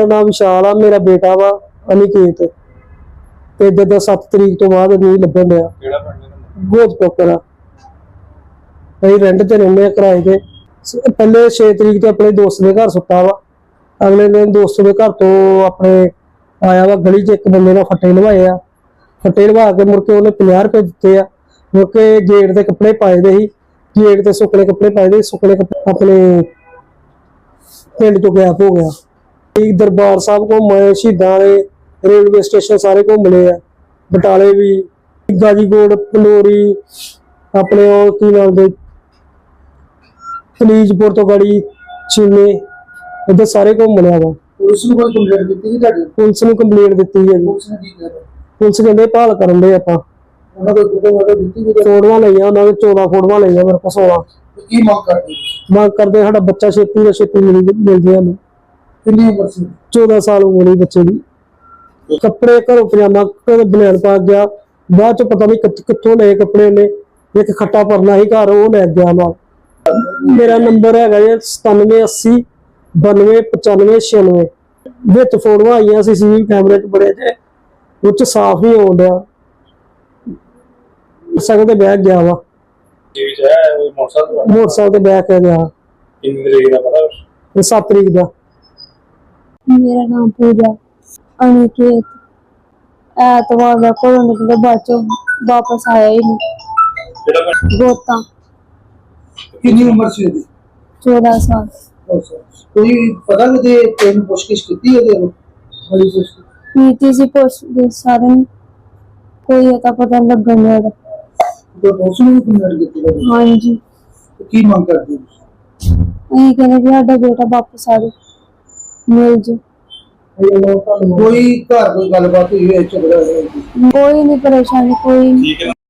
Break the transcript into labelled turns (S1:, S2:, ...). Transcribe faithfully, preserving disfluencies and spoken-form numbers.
S1: नाम विशाल आ, मेरा बेटा वा अनिकेत ते जद सत्त तरीक तो बाद नहीं लभन दिया गोद पोकर अं रेंट ते रहिंदे किराए ते। पहले छे तरीक तो अपने दोस्त के घर सुता वा, अगले दिन दोस्त के घर तो अपने आया वा गली च एक बंदे ने फट्टे लवाए आ, फट्टे लवा के मुड़ के उन्हें पचास रुपए दिते आ। मुड़ के गेट के कपड़े पाए दे ही, गेट ते सुकने कपड़े पाए दे, सुकने कपड़े अपने पिंड चो गैप हो गया। दरबार साहब घूमे, शहीदां दे रेलवे स्टेशन सारे घूम ले आ, बटाले भी, गाजीकोट, पंडोरी, अपने की नाम दे कलीजपुर तो गड़ी चीने इधर सारे घूम लिया वा।
S2: पुलिस ਨੂੰ ਕੋਈ ਕੰਪਲੇਂਟ ਦਿੱਤੀ ਸੀ ਤੁਹਾਡੀ?
S1: पुलिस ਨੂੰ ਕੰਪਲੇਂਟ ਦਿੱਤੀ ਹੈ ਜੀ।
S2: ਪੁਲਿਸ ਨੇ ਕੀ ਕੀਤਾ?
S1: ਪੁਲਿਸ ਕਹਿੰਦੇ ਭਾਲ ਕਰਨ ਦੇ ਆਪਾਂ।
S2: ਉਹਨਾਂ ਕੋਲ ਫੋਟੋ ਵਾਟੋ ਦਿੱਤੀ ਸੀ?
S1: ਫੋਟੋਆਂ ਲਈਆਂ ਉਹਨਾਂ ਨੇ, ਚੌਦਾਂ ਫੋਟੋਆਂ ਲਈਆਂ ਮੇਰੇ ਕੋਲ ਸੋਲਾਂ।
S2: ਕੀ ਮੰਗ ਕਰਦੇ?
S1: ਮੰਗ ਕਰਦੇ ਸਾਡਾ ਬੱਚਾ ਛੇਤੀ ਤੋਂ ਛੇਤੀ ਮਿਲ ਮਿਲ ਜੇ ਸਾਨੂੰ।
S2: ਕਿੰਨੀ ਉਮਰ ਸੀ?
S1: ਚੌਦਾਂ ਸਾਲ ਉਮਰ ਸੀ ਬੱਚੇ ਦੀ। ਕੱਪੜੇ ਘਰੋਂ ਪਜਾਮਾ ਘਰੋਂ ਬਨੈਣ ਪਾ ਗਿਆ, ਬਾਅਦ ਚ ਪਤਾ ਨਹੀਂ ਕਿੱਥੋਂ ਲਏ ਕੱਪੜੇ ਉਹਨੇ। ਇੱਕ ਖੱਟਾ ਪਰਨਾ ਸੀ ਘਰ, ਉਹ ਲੈ ਗਿਆ ਨਾਲ। मेरा नंबर है सतानवे अस्सी बानवे पचानवे छियानवे। विच फोटोआं आईयां सीसीटीवी कैमरे च बड़े जे उच साफ नहीं होण दिया। मोटरसाइकिल ते बैग गया वा, मोटरसाइकिल ते बैग गया सत्त तरीक दा।
S3: मेरा नाम पूजा अनिकेत। ऐतवार का घरों निकले, बाद चो वापस आया ही नहीं। गोता
S2: कितनी उम्र से होगी?
S3: चौदह साल।
S2: कोई पता लगे तेन पुछगिछ कीती है? बड़ी पुछगिछ
S3: नीति सी पुछ सारे कोई अता पता लगन नहीं।
S2: तो पुलिस ने भी कंप्लेंट कीती है?
S3: हाँ जी।
S2: तो की मांग करते हो?
S3: अं कहने भी साडा बेटा वापस आ जाए, मिल जाए।
S2: कोई घर कोई गलबात हुई है? झगड़ा होया?
S3: कोई नहीं परेशानी कोई।